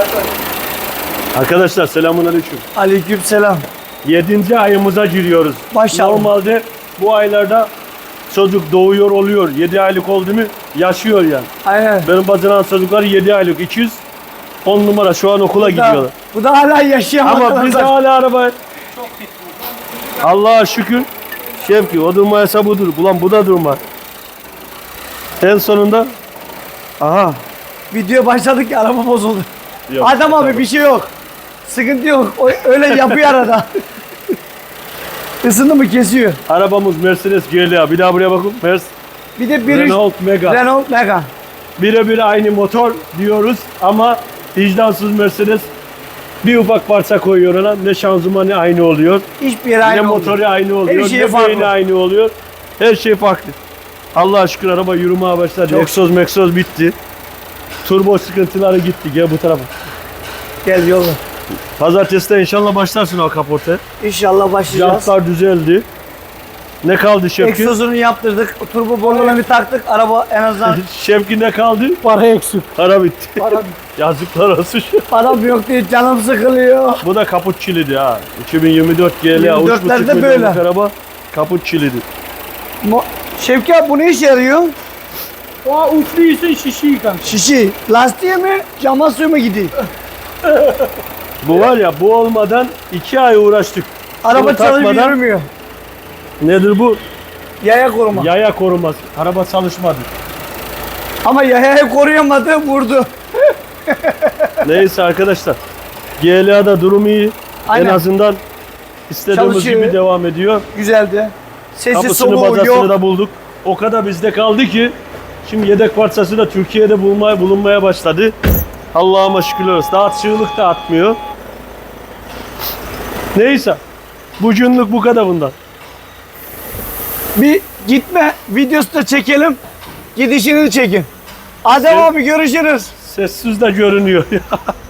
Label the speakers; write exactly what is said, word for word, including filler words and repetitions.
Speaker 1: Arkadaşlar selamünaleyküm.
Speaker 2: Aleykümselam.
Speaker 1: Yedinci ayımıza giriyoruz.
Speaker 2: Maşallah.
Speaker 1: Normalde bu aylarda çocuk doğuyor oluyor. Yedi aylık oldu mu yaşıyor yani.
Speaker 2: Aynen.
Speaker 1: Benim bacanan çocuklar yedi aylık. iki yüz on numara şu an okula
Speaker 2: Bu da,
Speaker 1: gidiyorlar.
Speaker 2: bu da hala yaşayan
Speaker 1: Ama
Speaker 2: arkadaşlar.
Speaker 1: biz hala araba. Allah'a şükür. Şevki o durmayasa budur. Ulan bu da durma. En sonunda aha.
Speaker 2: Video başladık ya araba bozuldu.
Speaker 1: Yok,
Speaker 2: Adam abi
Speaker 1: tamam.
Speaker 2: bir şey yok. Sıkıntı yok. O, öyle yapıyor arada. Isındı mı kesiyor.
Speaker 1: Arabamız Mercedes G L A. Bir daha buraya bakın. Mercedes
Speaker 2: Bir de bir
Speaker 1: Renault Mega.
Speaker 2: Renault Mega.
Speaker 1: Birebir aynı motor diyoruz ama vicdansız Mercedes bir ufak parça koyuyor ona. Ne şanzımanı aynı oluyor.
Speaker 2: Hiçbir yere
Speaker 1: Ne
Speaker 2: aynı
Speaker 1: motoru
Speaker 2: olmuyor.
Speaker 1: aynı oluyor.
Speaker 2: Her şey
Speaker 1: Ne
Speaker 2: farklı.
Speaker 1: beyni aynı oluyor. Her şey farklı. Allah'a şükür araba yürümeye başladı.
Speaker 2: Çok
Speaker 1: Egzoz meksoz bitti. Turbo sıkıntıları gitti. Gel bu tarafa.
Speaker 2: Gel yolla.
Speaker 1: Pazartesi inşallah başlarsın o kaporte.
Speaker 2: İnşallah başlayacağız.
Speaker 1: Jantlar düzeldi. Ne kaldı Şevki?
Speaker 2: Egzozunu yaptırdık. Turbo borularını bir taktık. Araba en azından
Speaker 1: Şevki ne kaldı?
Speaker 2: para eksik.
Speaker 1: Para bitti.
Speaker 2: Para,
Speaker 1: Yazıklar olsun.
Speaker 2: param yok diye canım sıkılıyor.
Speaker 1: Bu da kaput çilidi ha. iki bin yirmi dört G L A
Speaker 2: yirmi
Speaker 1: üç buçuk
Speaker 2: dörtlerde
Speaker 1: milyonluk
Speaker 2: böyle.
Speaker 1: araba kaput çilidi.
Speaker 2: Mo- Şevki abi bu ne işe yarıyor?
Speaker 3: O uçluysa şişi yıkan.
Speaker 2: Şişi. Lastiğe mi? Cama suyu mu gidiyor?
Speaker 1: Bu var ya bu olmadan iki ay uğraştık.
Speaker 2: Araba
Speaker 1: Bunu
Speaker 2: çalışıp
Speaker 1: takmadan-
Speaker 2: yürümüyor.
Speaker 1: Nedir bu?
Speaker 2: Yaya koruma.
Speaker 1: Yaya koruması. Araba çalışmadı.
Speaker 2: Ama yayayı koruyamadı, vurdu.
Speaker 1: Neyse arkadaşlar. G L A'da durum iyi.
Speaker 2: Aynen.
Speaker 1: En azından istediğimiz
Speaker 2: Çalışıyor.
Speaker 1: gibi devam ediyor.
Speaker 2: Güzeldi. Sesi
Speaker 1: Kapısını
Speaker 2: soluğu
Speaker 1: bacasını
Speaker 2: yok.
Speaker 1: da bulduk. O kadar bizde kaldı ki şimdi yedek parçası da Türkiye'de bulmaya, bulunmaya başladı. Allah'ıma şükürler olsun. Daha çığlık da atmıyor. Neyse. Bugünlük bu kadar bundan.
Speaker 2: Bir gitme videosu da çekelim. Gidişini de çekin. Adem
Speaker 1: Sen-
Speaker 2: abi görüşürüz.
Speaker 1: Sessiz de görünüyor.